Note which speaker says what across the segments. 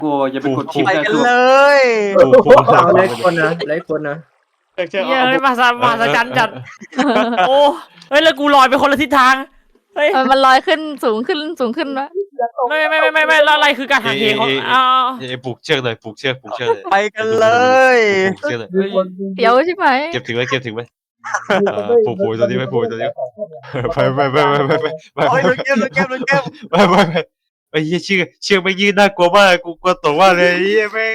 Speaker 1: โอ้อย่าไปกดชิป
Speaker 2: ไป
Speaker 1: นะ
Speaker 2: กัน
Speaker 1: ตัว
Speaker 2: เลย
Speaker 3: เอาเลยคนนะเลยคนนะ
Speaker 4: เฮ้ยมาซะจันจัดโอ้เฮ้ยแล้วกูลอยไปคนละทิศทางเฮ้ย
Speaker 5: มันลอยขึ้นสูงขึ้นวะ
Speaker 4: ไม่แล้วอะไรคือการหักเหของ
Speaker 6: ปลูกเชือกเลยปลูกเชือกเลย
Speaker 2: ไปกันเลย
Speaker 6: ปลูกเชือกเลย
Speaker 5: เดี๋ยวใช่ไหม
Speaker 6: เก็บถึงไหมปลูกตัวนี้ไปไป
Speaker 2: โอ้ยโดนเก็บ
Speaker 6: ไอ้เหี้ยเชือกไม่ยืดน่ากลัวมากกูกลัวตกว่าเลยเหี้ยแม่ง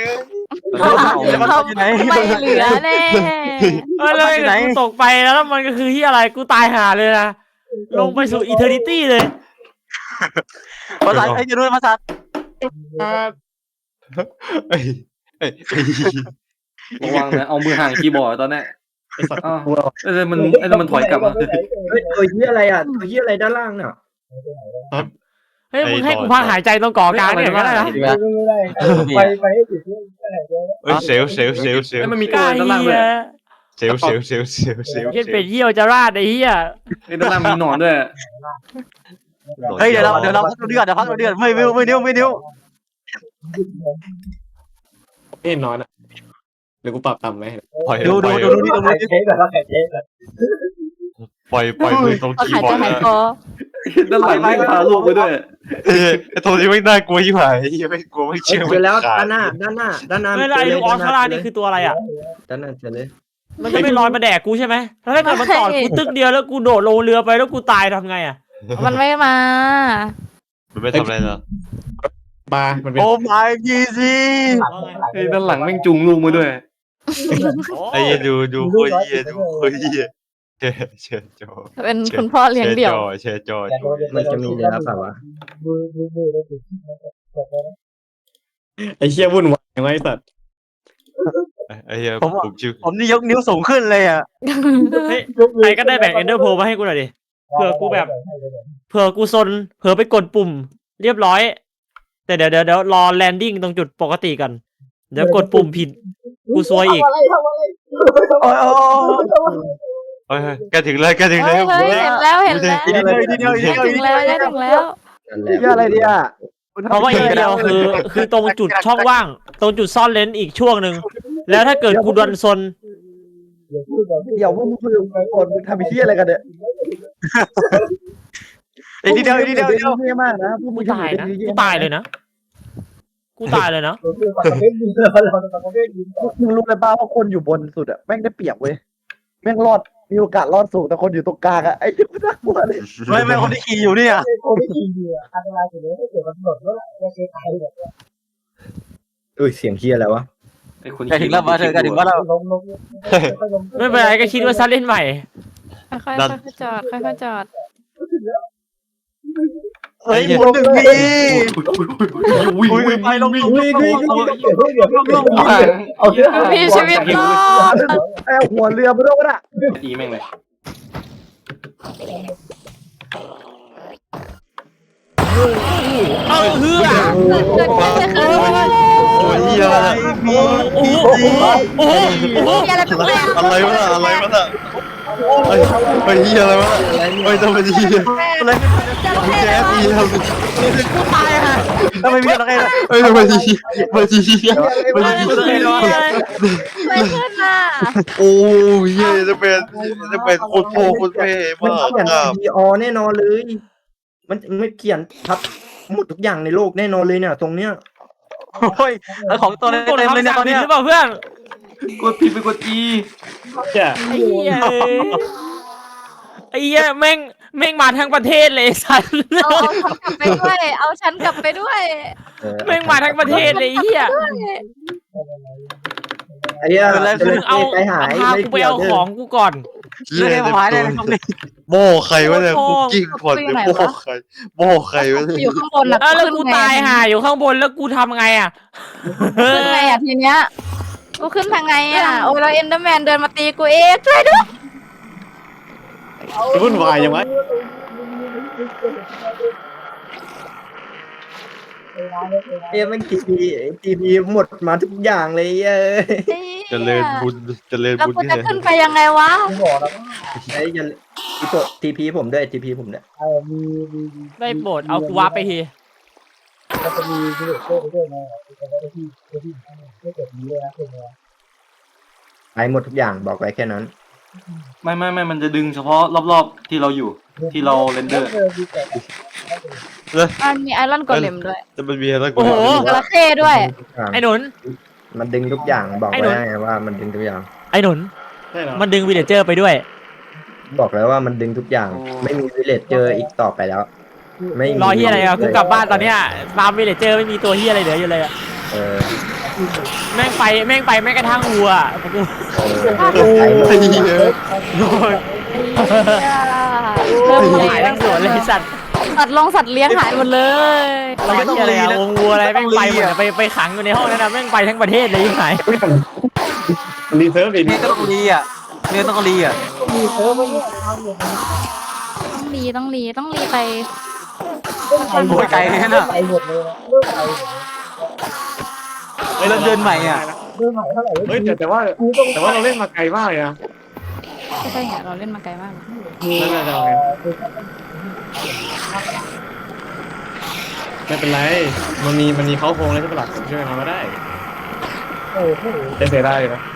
Speaker 5: ไม่เหลือแน่
Speaker 4: แล้วกูตกไปแล้วมันก็คือที่อะไรกูตายห่าเลยนะลงไปสู่อีเทอร์นิตี้เลย
Speaker 2: ภาษาไอ้จะรู้ภาษา
Speaker 1: ระวังนะเอามือห่างคีย์บอร์ดตอนนี้อ้าวมันถอยกลับมา
Speaker 3: เฮ้ยตัวยี่อะไรอ่ะตัวยี่อะไรด้านล่างเนี่ย
Speaker 4: เฮ้ยมึงให้กูพักหายใจตรงก่อกลางเนี่ยก็ได้นะ
Speaker 3: ไปให้ถึง
Speaker 6: เซลล์
Speaker 1: มันมี
Speaker 4: ก
Speaker 1: ตัว
Speaker 4: ล้า
Speaker 1: ด้านล่าง
Speaker 4: เฮี
Speaker 1: ด้วย
Speaker 4: ย
Speaker 6: เ
Speaker 4: เย็นเป็ดเยี่ยวจะราดไอ้เหี้ย
Speaker 1: ด้านล่างมีหนอนด้วย
Speaker 2: เฮ้ยเดี๋ยวเราพักเดือดไม่นิ้ว
Speaker 4: น้อยนะเดี๋ยวกูปรับต่ำไหม
Speaker 2: ดูนี่ตรงนี้
Speaker 3: เช็คแบบว่าเช็คแบบ
Speaker 6: ปล่อยมือตรงคี
Speaker 5: หาย
Speaker 6: ย์บ
Speaker 5: ใจ
Speaker 6: อร์ด
Speaker 5: หายคอ
Speaker 1: ด้านหลังไม่พาลูกไปด้วย
Speaker 6: ไอ้ตัวนี้ไม่น่ากลัวยิ่งหายไม่กลัวไม่เชื่อ
Speaker 3: เจอแล้วด้านหน้า
Speaker 4: เฮ้ยแล้วไอ้ลูกออสคาร่านี่คือตัวอะไรอ่ะ
Speaker 3: ด้านหน้าเจอเลย
Speaker 4: มันจะไม่ลอยมาแดกกูใช่ไหมแล้วถ้าเกิดมันตอดกูตึกเดียวแล้วกูโดดลงเรือไปแล้วกูตายทำไงอ่ะ
Speaker 5: มันไม่มา
Speaker 6: มันไม่ทำอะไรเนาะ
Speaker 2: โอ้ my god
Speaker 1: ด้านหลังแม่งจุงลูกมาด้วย
Speaker 6: ไอ้ดูโคตรเหี้ยเชจอ
Speaker 5: เป็นคุณพ่อเลี้ยงเดี่ยว
Speaker 6: เชจอ
Speaker 3: มันจะมีเลยครับแบบว่า
Speaker 4: ไอ้เชี่ยวุ่นวายไว้สัตว์
Speaker 6: ไอ้เหี้ยปลูกชื่อ
Speaker 2: ผมนี่ยกนิ้วสูงขึ้นเลยอ่ะ
Speaker 4: เฮ้ยใครก็ได้แบ่งเอนเดอร์โพมาให้กูหน่อยดิเผื่อกูซนเผื่อไปกดปุ่ม เรียบร้อย แต่เดี๋ยวรอแลนดิ้งตรงจุดปกติกันเดี๋ยวกดปุ่มผิดกูซวยอีก
Speaker 6: เฮ้ยแกถึงเลย
Speaker 5: เฮ้ยเห็นแล้วถึงแล้ว
Speaker 3: อะไรเนี่ย
Speaker 4: เพราะว่าอีกเดียวคือตรงจุดช่องว่าง ตรงจุดซ่อนเลนส์อีกช่วงหนึ่งแล้วถ้าเกิดกูโดนซน
Speaker 3: เดี๋ยวพวกมึงคุยกันก่อนมึงทำไอ้ที่อะไรกันเนี่ย
Speaker 2: นิดเดียว
Speaker 3: เท่มากนะพวกมึ
Speaker 4: กู
Speaker 3: ง
Speaker 4: ตายนะกูตายเลยนะ
Speaker 3: มึงรู้เลยป่าวว่าคนอยู่บนสุดอะแม่งได้เปรียบเว้ยแม่งรอดมีโอกาสรอดสูงแต่คนอยู่ตรงกลางอะไอ้ที่กูน่ากลัวเลย
Speaker 2: ไม่คนที่ขี่อยู่เนี่ย
Speaker 3: คนที่ขี่อยู่อันตรายสุดเลยถ้าเกิดมันหลดว่าจะเสียตายแบบอุ้ยเสียงเคียอะไรวะ
Speaker 2: แกถึงแล้วมาเธอแกถึงว่าเรา
Speaker 4: ไม่เป็นไรก็คิดว่าซัดเล่นใหม่
Speaker 5: ค่อยๆจอด
Speaker 2: เฮ้ยหมุนหนึ่งทีไปลง
Speaker 5: มีชีวิตรอด
Speaker 3: ไอ้หัวเรือมาด้วยนะ
Speaker 1: ตีแม่งเลย
Speaker 4: เอาเฮือ
Speaker 5: เกิดขึ้น
Speaker 6: ตัวเหี้ยอะไร
Speaker 4: โอ้โห
Speaker 5: มีอะไรแปลก
Speaker 6: อะไรวะไอ้เหี้ยอะไรวะไอ้ทำไมเหี้ยแจ๊บเหี้ย
Speaker 2: กูตายฮะทำไมมีอะไรกัน
Speaker 6: ไอ้ทำไมเหี้ยมันเหี้ย
Speaker 5: ไม่ขึ้นน่ะ
Speaker 6: โอ้ยเหี้ยจะเป็นคนโพคนเพ่
Speaker 3: มัน
Speaker 6: มาก
Speaker 3: เขียน
Speaker 6: ครับ
Speaker 3: PO แน่นอนเลย มันไม่เขียนทับหมดทุกอย่างในโลกแน่นอนเลยเนี่ยตรงเนี้ย
Speaker 2: โอ้ยของตัวเต็มเลยเนี่ยตอนเนี้ย
Speaker 4: หรือเปล่าเพื่อน
Speaker 1: กดผิดไปกด E
Speaker 4: ไอ้เหี้ยแม่งมาทั้งประเทศเลยสัตว์
Speaker 5: เอาฉันกลับไปด้วย
Speaker 4: แม่งมาทั้งประเทศเลยเหี้ย
Speaker 3: ไอ้เหี้ย
Speaker 4: เอา
Speaker 3: ใจหาย
Speaker 4: พากูไปเอาของกูก่อน
Speaker 2: เรื่องหายเลยตรงนี้
Speaker 6: โม่ใครวะเนี่ยคุกกิ้งพอดโม่ใครวะเนี่ย
Speaker 5: อยู่ข้างบนนะ
Speaker 4: แล้วกูตายห่าอยู่ข้างบนแล้วกูทำไงอ่ะ
Speaker 5: ขึ้นไงอ่ะทีเนี้ยกูขึ้นทางไงอ่ะโอ้ยเราเอ็นเดอร์แมนเดินมาตีกูเองช่วยด้วย
Speaker 4: วุ่นวายยังไง
Speaker 3: เอ้ยมันทีพีหมดมาทุกอย่างเลยเอ้ย
Speaker 6: เจริญบุญ
Speaker 5: แล้วกูจะขึ้นไปยังไงวะ
Speaker 3: ไอ้ยันอีโตทีพีผมด้วยทีพีผมเนี่ย
Speaker 4: ได้โปรดเอากูวาร์ปไปที
Speaker 7: ไอ้หมดทุกอย่างบอกไว้แค่นั้น
Speaker 1: ไม่มันจะดึงเฉพาะรอบๆที่เราอยู่ที่เราเรนเดอร์
Speaker 5: มันมีไอรอนโกเลมด้วย
Speaker 6: จะมันมีอะไรกู
Speaker 4: โอ้โห
Speaker 5: จระเข้ด้วย
Speaker 4: ไอ้หนุน
Speaker 7: มันดึงทุกอย่างบอก
Speaker 4: ไอ้หนุ
Speaker 7: ไว้
Speaker 4: น
Speaker 7: ไงว่ามันดึงทุกอย่าง
Speaker 4: ไอ้หนุน
Speaker 2: ใช่เหรอ
Speaker 4: มันดึงวิลเลเจอร์ไปด้วย
Speaker 7: บอกแล้วว่ามันดึงทุกอย่าง ไม่มีวิเลจเจออีกต่อไปแล้ว ไม่มี
Speaker 4: รอเฮียอะไรอ่ะกูกลับบ้านตอนเนี้ยฟาร์มวิลเลเจอร์ไม่มีตัวเฮียอะไรเหลืออยู่เลยอะ
Speaker 7: เออ
Speaker 4: แม่งไปแม่งกระทั่งวัวกู
Speaker 7: ไอ้หมด
Speaker 6: ไอ้เหี้ย
Speaker 4: โดน
Speaker 5: เริ่มเล
Speaker 4: หาย
Speaker 5: ย
Speaker 4: ทั้งสวนเลยไอ้สัตว์
Speaker 5: สัตว์เลี้ยงหายหมดเลย
Speaker 4: รอเฮียอะไรอ่ะวงวัวอะไรแม่งไปหมดอะไปขังอยู่ในห้องนั้นนะแม่งไปทั้งประเทศเลยยิ่งหาย
Speaker 2: รีเซิร์ฟดินี่ต้องรีอ่ะนี่ต้องรีอ่ะ
Speaker 5: ต้องรีไป
Speaker 2: โอ้ยไกลแค่น่ะเฮ้ยเราเดินใหม่อ่ะ
Speaker 8: เฮ้ยแต่ว่าเราเล่นมาไกลมากเลยนะ
Speaker 5: ใช่ไงเราเล่นมาไกลมาก
Speaker 8: นั่นแหละเราไงไม่เป็นไรมันมีเขาโครงแล้วใช่ปะล่ะผมช่วยเขาก็ได้เสียได้เลยนะ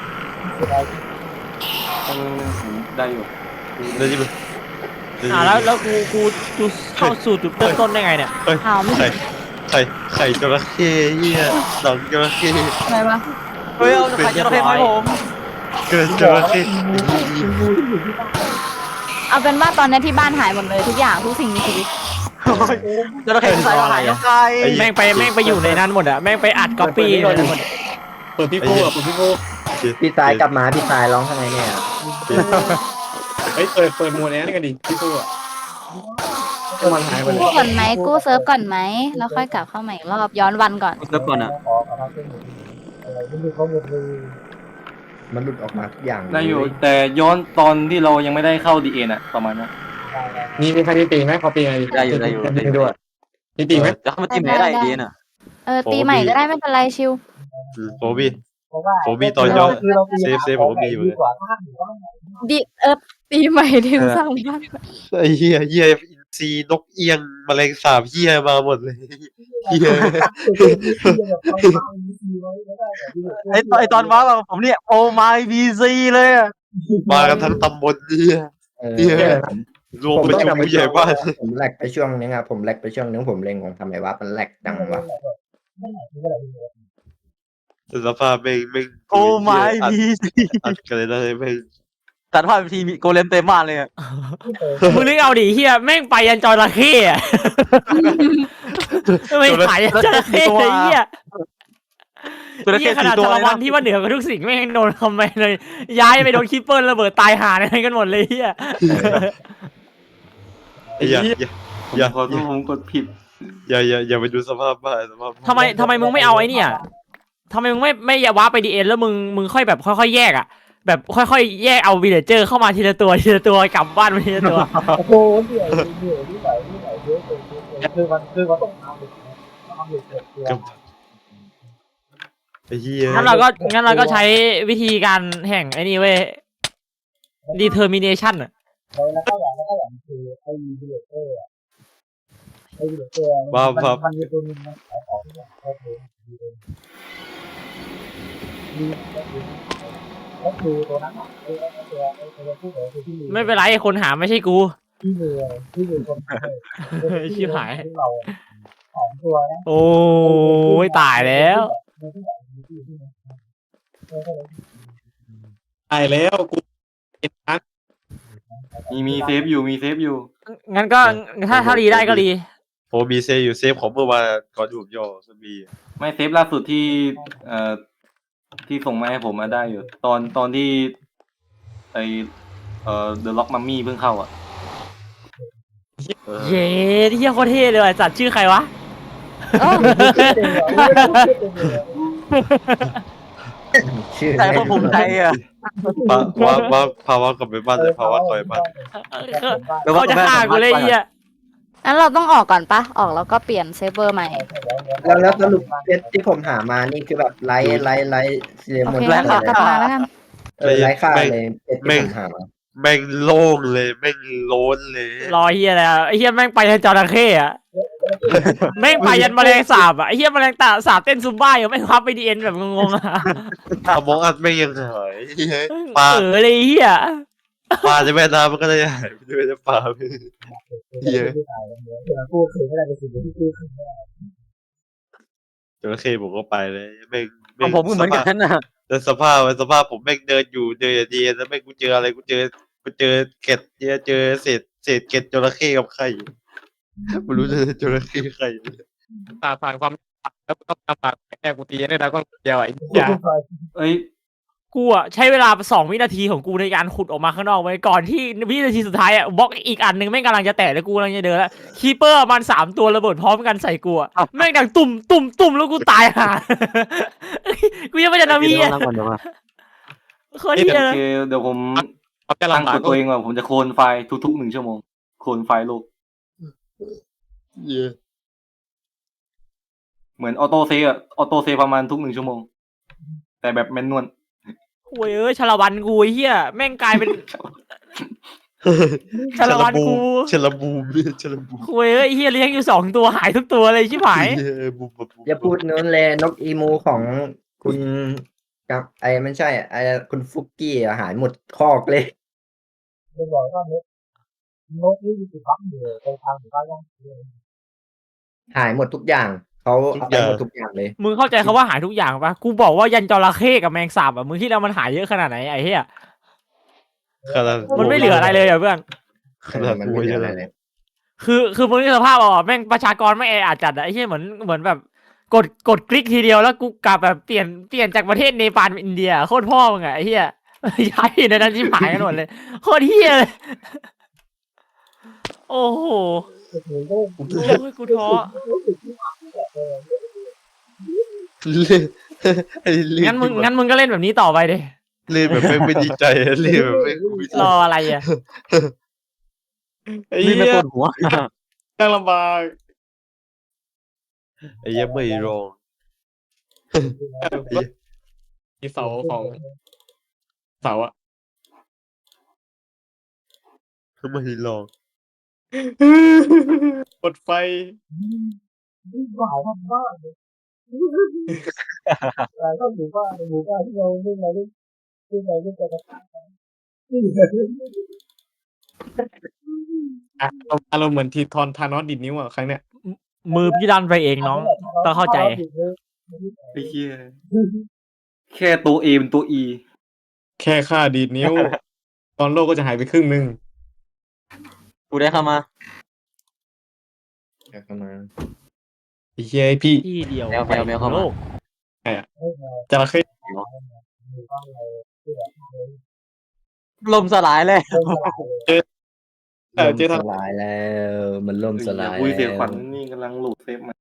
Speaker 1: ได้อยู่
Speaker 6: เดี๋ยวจะไป
Speaker 4: แล้วกูเข้าสู่จุดเริ่มต้นได้ไงเนี่ย
Speaker 5: อ้าวไม่
Speaker 6: ไข่จระเข้เหี้ยหนังจระเข้
Speaker 5: อะไรวะ
Speaker 2: เฮ้ยเอาไข่จระเข้มาให้ผม
Speaker 6: เกินจระเข้
Speaker 5: เอาเป็นว่าตอนนี้ที่บ้านหายหมดเลยทุกอย่างทุกสิ่งมีชีวิต
Speaker 2: จระเข้ใส่หายยังไง
Speaker 4: แม่งไปอยู่ในนั้นหมดอะแม่งไปอัดก๊อปปี้ในนั้นหมดอะ
Speaker 8: เปิดพี่โก้เปิดพี่โก้
Speaker 7: พี่ตายกลับมาพี่ตายร้องทำไมเนี่ย
Speaker 8: เฮ้ยเปิดโหมดแอนนี่กันดิพี่โก้มันหายไปเลย
Speaker 5: กู้ก่อนไหมกู้เซิร์ฟก่อนไหมแล้วค่อยกลับเข้าใหม่อีกรอบย้อนวันก่อน
Speaker 2: เริ่มก่อนอ่ะ
Speaker 7: มันหลุดออกมาทุกอย่าง
Speaker 1: ได้อยู่แต่ย้อนตอนที่เรายังไม่ได้เข้าดีเอ็นอะประมาณนั้น
Speaker 8: มีใครตีไหมขอตีไง
Speaker 2: ได้อยู่
Speaker 8: ด้วยมีตีไหม
Speaker 2: จะเข้ามาตีแม่ได้ดีน่ะ
Speaker 5: ตีใหม่ก็ได้ไม่เป็นไรชิว
Speaker 6: โฟบี้ตอนย้อนเซฟผมก็มีอยู่เลย
Speaker 5: ดีตีใหม่ที่สร้างบ้าน
Speaker 6: ไอ้เหี้ยอินทรีนกเอียงแมลงสาบเหี้ยมาหมดเลยเหี้ย
Speaker 2: ไอตอนว้าแบบผมเนี่ยโอไมบีซีเลยอ่ะ
Speaker 6: มากันทั้งตำบลเหี้ย
Speaker 7: เหี้ย
Speaker 6: รวมประชุมผู้ใหญ่บ้าน
Speaker 7: ผมแลกไปช่วงนึงครับผมแลกไปช่วงนึงผมเล็งของทำไมวะมันแลกจังวะ
Speaker 6: สภาพแม่ง
Speaker 2: โอไมบีซี
Speaker 6: อัดกันเลยนะแม่ง
Speaker 2: ตัดภาพทีมีโกเลมเต็มบ้านเลยอ่ะ
Speaker 4: มึงนึกเอาดิเฮียแม่งไปยันจระเข้อะไม่ขายยันจระเข้เลยเฮีย
Speaker 2: จระเข้
Speaker 4: ข
Speaker 2: สี่
Speaker 4: นาด
Speaker 2: ตัว
Speaker 4: จระ
Speaker 2: เลย
Speaker 4: วัน
Speaker 2: นะ
Speaker 4: ที่ว่าเหนือกว่าทุกสิ่งแม่งโดนคอมเมนต์เลย ย้ายไปโดนคิปเปิลระเบิดตายหาอะไรกันหมดเลยเฮีย
Speaker 6: อย่า
Speaker 1: ขอโทษผมกดผิด
Speaker 6: อย่าไปดูสภาพบ้านสภาพ
Speaker 4: ทำไมมึงไม่เอาไอ้เนี่ยทำไมมึงไม่อย่าว้าไปดีเอ็นแล้วมึงค่อยแบบค่อยๆแยกอ่ะแบบค่อยๆแยกเอาวิลเลเจอร์เข้ามาทีละตัวกลับบ้านมาทีละตัว
Speaker 3: โอ้โหเหนื่อยที่ไหนเยอะเลยคือมันต้องทำเลย
Speaker 6: ไอ้เหี้ย
Speaker 4: งั้นเราก็ใช้วิธีการแห่งไอ้นี่เว้ย determination อ่ะ
Speaker 3: แล้วก็อย่างคือไอ้เดือดเตอร์ไอ้เดือดเตอร์มันจะเป็นมันขายของที่แบบโอเคดีก็คือตัวนั้นไอ้ตัวผู้เหคือที่มี
Speaker 4: ไม่เป็นไรคนหาไม่ใช่กู
Speaker 3: ที่มือคน
Speaker 4: ชิบหาย
Speaker 3: เราของตัวนะ
Speaker 4: โอ้ยตายแล้ว
Speaker 8: ตายแล้วกู
Speaker 1: มีเซฟอยู่
Speaker 4: งั้นก็ถ้ารีได้ก็รี
Speaker 6: โอ้มีเซฟอยู่เซฟของเมื่อวานก่อนถูกย่อสมี
Speaker 1: ไม่เซฟล่าสุดที่ที่ส่งมาให้ผมมาได้อยู่ตอนที่ไอThe Lock Mummy เพิ่งเข้าอ่ะ
Speaker 4: เย้ที่เฮียโคตรเท่เลยว่ะจัดชื่อใครวะ
Speaker 7: ชื่อ
Speaker 2: ใจพวกภูมิใจอ่ะ
Speaker 6: ภาวะกลับไปบ้านเลยภาวะคอยบ้าน
Speaker 4: เขาจะฆ่ากูเลยเฮีย
Speaker 5: งั้นเราต้องออกก่อนปะออกแล้วก็เปลี่ยนเซิร์ฟเวอร์ใหม่
Speaker 7: แล้วสรุปเพชรที่ผมหามานี่คือแบบไลท์เสีย
Speaker 5: โอ
Speaker 7: หมด
Speaker 5: เค
Speaker 7: เล
Speaker 5: งั้นขอกลับมาแล้วกัน
Speaker 7: ไลท์ค่าเลยเพชรที่ผมหามา
Speaker 6: แม่งโล่งเลยแม่งโล้นเลย
Speaker 4: รอเฮียอะไรอ่ะไอเฮียแม่งไปจระเข้อะแม่งไปยันแมลงสาบอ่ะไอ้เหี้ยแมลงสาบเต้นซุมบ้าอยู่ไม่พับไปดีเอ็นแบบงงๆอ่ะ
Speaker 6: มองอัดไม่ยังหายปลา
Speaker 4: เลยไอ้เหี้ย
Speaker 6: ปลาจะแม่น้ำมันก็ได้หายไปด้วยนะปลาเฮีย
Speaker 3: กู้คืนไม่ได้เป็นสิ่งที่กู้คืน
Speaker 6: จระเข้ผมก็ไปเลยแม่ง
Speaker 2: ของผมก็เหมือนกันนะ
Speaker 6: แต่สภาพผมแม่งเดินอยู่เดินดีแล้วแม่งกูเจออะไรกูเจอเกล็ดเจอเศษเกล็ดจระเข้กับไข่ไม่รู้จะจระเข้ไข่
Speaker 8: ผ่านความแล้วก็ตามปากแอบกูตีได้แล้วก็เดียวไอ้เหี้ย
Speaker 1: เอ้ย
Speaker 4: กูอ่ะใช้เวลา2 วินาทีของกูในการขุดออกมาข้างนอกไว้ก่อนที่วินาทีสุดท้ายอ่ะบล็อกอีกอันหนึ่งแม่งกำลังจะแตะแล้วกูกำลังจะเดินแล้วคีเปอร์มัน3 ตัวระเบิดพร้อมกันใส่กูอ่ะแม่งดังตุ่มแล้วกูตายห่า กูยังไม่จะนามีอ่ะ
Speaker 2: นั่งก่อนเดี๋ยวมา
Speaker 4: โคตรเหี้ย
Speaker 1: โอ
Speaker 4: เลย
Speaker 1: เคเดี๋ยวผม
Speaker 8: เอาแต่
Speaker 1: ตั้ง
Speaker 8: ลำบาก
Speaker 1: กฎตัวเองว่าผมจะโคลนไฟล์ทุกๆ1 ชั่วโมงโคลนไฟล์โลก
Speaker 6: เหี้ย
Speaker 1: เหมือนออโต้เซฟอะออโต้เซฟประมาณทุก1 ชั่วโมง แต่แบบแมนนวล
Speaker 4: โอ้ยชาละวันกูไอ้เหี้ยแม่งกลายเป็นชาละวันกู
Speaker 6: ชลบูมชลบูม
Speaker 4: โอ้ยไอ้เหี้ยเลี้ยงอยู่2 ตัวหายทุกตัวเลยชิบหาย
Speaker 6: บูม
Speaker 7: อย่าพูดนู้นเลยนกอีมูของคุณกับไอ้ไม่ใช่ไอ้คุณฟุกกี้อะหายหมดคอกเลย
Speaker 3: เป็นบอกว่านกนี่คือพักอยู่ตรงทางหมู่บ้านย่าง
Speaker 7: หายหมดทุกอย่างเขาเอาไปหมดทุกอย่างเลย
Speaker 4: มึงเข้าใจคำว่าหายทุกอย่างปะกูบอกว่ายันจระเข้กับแมงสาบอ่ะมึงที่แล้วมันหายเยอะขนาดไหนไอ้เหี้ย
Speaker 6: ขนาด
Speaker 4: มันไม่เหลืออะไรเลยอ่ะเพื่อน
Speaker 6: ขนาด
Speaker 7: มัน
Speaker 6: กู
Speaker 7: ไม่เหลื
Speaker 6: ยั
Speaker 7: อง อะไรเลย
Speaker 4: คือมึงนึกสภาพเอาอ่ะแม่งประชากรไม่แออัดจัดอ่ะไอ้เหี้ยเหมือนแบบกดคลิกทีเดียวแล้วกูกลับแบบเปลี่ยนจากประเทศเนปาลเป็นอินเดียโคตรพ่อมึงอ่ะไอ้เหี้ยย้ายในนั้นชิบหายกันหมดเลยโคตรเหี้ยเลยโอ้โหโอ้ยกูท้อ งั้นมึงก็เล่นแบบนี้ต่อไปดิ
Speaker 6: เล่นแบบไม่ดีใจเล่นแบบไม่มี
Speaker 4: รออะไรอ่ะ
Speaker 8: ไอ้
Speaker 2: นี่
Speaker 8: เหี้
Speaker 2: ไม่
Speaker 8: ย
Speaker 2: ปวดหัว
Speaker 8: ตั้งลำบาก
Speaker 6: ไอ้ยังไม่รอง
Speaker 8: มีเสาของเสาอะ
Speaker 6: ไม่รอง
Speaker 8: กดไฟ
Speaker 3: นี่หวายมากเลยแต่ก็หมู่บ้านที่เราเล่นมาเล่นไปกันนี่
Speaker 8: อารมณ์เหมือนทีทอนทานอสดิดนิ้วอะครั้งเนี้ย
Speaker 4: มือพี่ดันไปเองน้อง ต้องเข้าใจ
Speaker 1: ไอ้เหี้ยแค่ตัว A เป็นตัว E
Speaker 8: แค่ค่าดีดนิ้ว ตอนโลกก็จะหายไปครึ่งหนึ่ง
Speaker 2: กูได้เข้ามา
Speaker 7: เดี๋ยวเข้ามา
Speaker 8: ไอ้เหี้ยไอ้พี่
Speaker 4: ที่เดียว
Speaker 2: แมวเข้ามา
Speaker 4: โลก
Speaker 8: จระเข้
Speaker 2: ลมสลายเลย
Speaker 8: เจอ
Speaker 7: ล่ม
Speaker 8: ทาง
Speaker 7: สลายแล้ว มันล่มสลาย
Speaker 1: คุยเสียขวัญ
Speaker 7: แล้ว
Speaker 1: นี่กำลังโหลดเซฟมา